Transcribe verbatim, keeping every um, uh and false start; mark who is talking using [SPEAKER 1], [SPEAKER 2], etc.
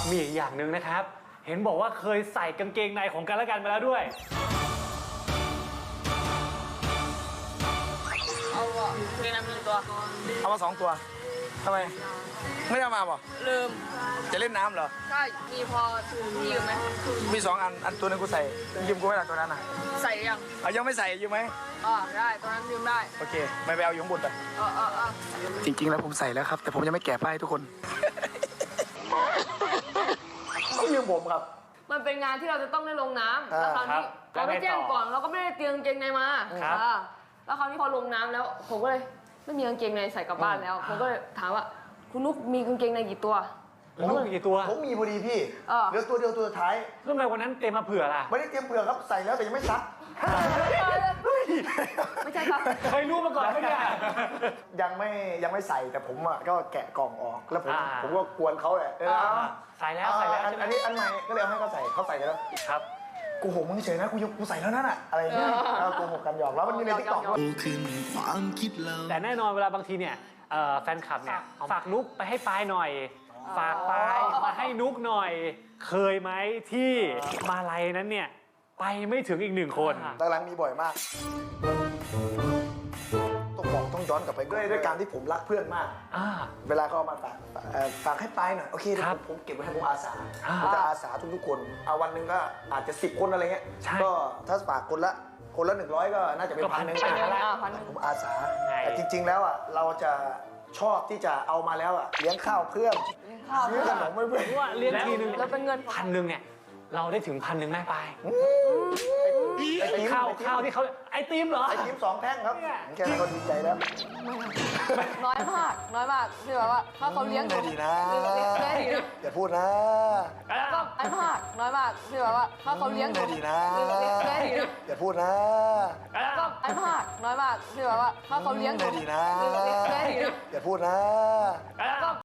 [SPEAKER 1] มีอีกอย่างหนึ่งนะครับเห็นบอกว่าเคยใส่กางเกงในของกันและกันมาแล้วด้วย
[SPEAKER 2] เอาอ่ะเกงในมีตัว
[SPEAKER 3] เอามาสองตัวทำไมไม่ได้มาป่ะ
[SPEAKER 2] ลืม
[SPEAKER 3] จะเล่นน้ำเหรอ
[SPEAKER 2] ใช่มีพอพี่ยืมไหม
[SPEAKER 3] มีสองอันอันตัวนึงกูใส่ยืมกูไม่ได้ตัวนั้นอ่ะ
[SPEAKER 2] ใส่ยัง
[SPEAKER 3] เอายังไม่ใส่ยืมไหม
[SPEAKER 2] อ๋อได้ตัวนั้นยืมได้
[SPEAKER 3] โอเคไม่ไปเอาอยู่ข้างบนไป
[SPEAKER 2] เออเออเออ
[SPEAKER 3] จริงๆแล้วผมใส่แล้วครับแต่ผมยังไม่แกะป้ายทุกคนต้องยืมผมครับ
[SPEAKER 2] มันเป็นงานที่เราจะต้องได้ลงน้ำแล้วคราวนี้เราไม่แจ้งก่อนเราก็ไม่ได้เตรียมกางเกงในมาแล้วคราวนี้พอลงน้ำแล้วผมก็เลยไม่มีกางเกงในใส่กลับบ้านแล้วผมก็เลยถามว่าคุณนุ๊กมีกางเกงในกี่ตัว
[SPEAKER 1] ผมมีกี่ตัว
[SPEAKER 4] ผมมีพอดีพี่เหลือตัวเดียวตัวสุดท้าย
[SPEAKER 1] เรื่องอะไรวันนั้นเตรียมมาเผื่อล่ะ
[SPEAKER 4] ไม่ได้เตรียมเผื่อครับใส่แล้วแต่ยังไม่ซัก
[SPEAKER 2] ไม่ใช่ครับ
[SPEAKER 1] เคยรู้มาก่อนไหมเนี่ย
[SPEAKER 4] ยังไม่ยังไม่ใส่แต่ผมอ่ะก็แกะกล่องออกแล้วผมผมก็กวนเขาแหละ
[SPEAKER 1] ใส่แล้วใส่แล้ว
[SPEAKER 4] อันนี้อันใหม่ก็เลยเอาให้เขาใส่เขาใส่กันแล้ว
[SPEAKER 1] ครับ
[SPEAKER 4] กูโหมึงเฉยนะกูกูใส่แล้วนั่นอะอะไรเงี้ยกูโหกันหยอกแล้วมันมีในติ๊กต็อก
[SPEAKER 1] แต่แน่นอนเวลาบางทีเนี่ยแฟนคลับเนี่ยฝากนุ๊กไปให้ปายหน่อยฝากปายมาให้นุ๊กหน่อยเคยไหมที่มาลัยนั้นเนี่ยไปไม่ถึงอีกหนึ่งคน
[SPEAKER 4] หลังๆมีบ่อยมากต้องบอกต้องย้อนกลับไปด้วยด้วยการที่ผมรักเพื่อนมากเวลาเขาเอามาฝากฝากให้ปายหน่อยโอเคเดี๋ยวผมเก็บไว้ให้ผมอาสาผมจะอาสาทุกๆคนเอาวันหนึ่งก็อาจจะสิบคนอะไรเงี้ยก็ถ้าฝากคนละคนละหนึ่งร้อยก็น่าจะเป็นพันหนึ่งผมอาสาแต่จริงๆแล้วอ่ะเราจะชอบที่จะเอามาแล้วอ่ะเลี้ยงข้าวเพื่อนซื้อขนมเพื่อน
[SPEAKER 1] ว่าเลี้ยงทีนึง
[SPEAKER 2] แล้วเป็นเงิน
[SPEAKER 1] พันหนึ่งเนี่ยเราได้ถึงพันหนึ่งได้ไปข้าวข้าวที่เขาไอติมเหรอ
[SPEAKER 4] ไอติมสองแท่งครับแค่นั้นก็ดีใจแล้ว
[SPEAKER 2] น้อยมากน้อยมากที่แบบว่าถ้าเขาเลี้ยง
[SPEAKER 4] ดีนะอย่าพูดนะ
[SPEAKER 2] ก็น้อยมากน้อยมากที่แบบว่าถ้าเขาเลี้ยง
[SPEAKER 4] ดีนะอย่าพูดนะ
[SPEAKER 2] ก็น้อยมากน้อยมากที่แบบว่าถ้าเขาเลี้ยง
[SPEAKER 4] ดีนะอย่าพูดนะ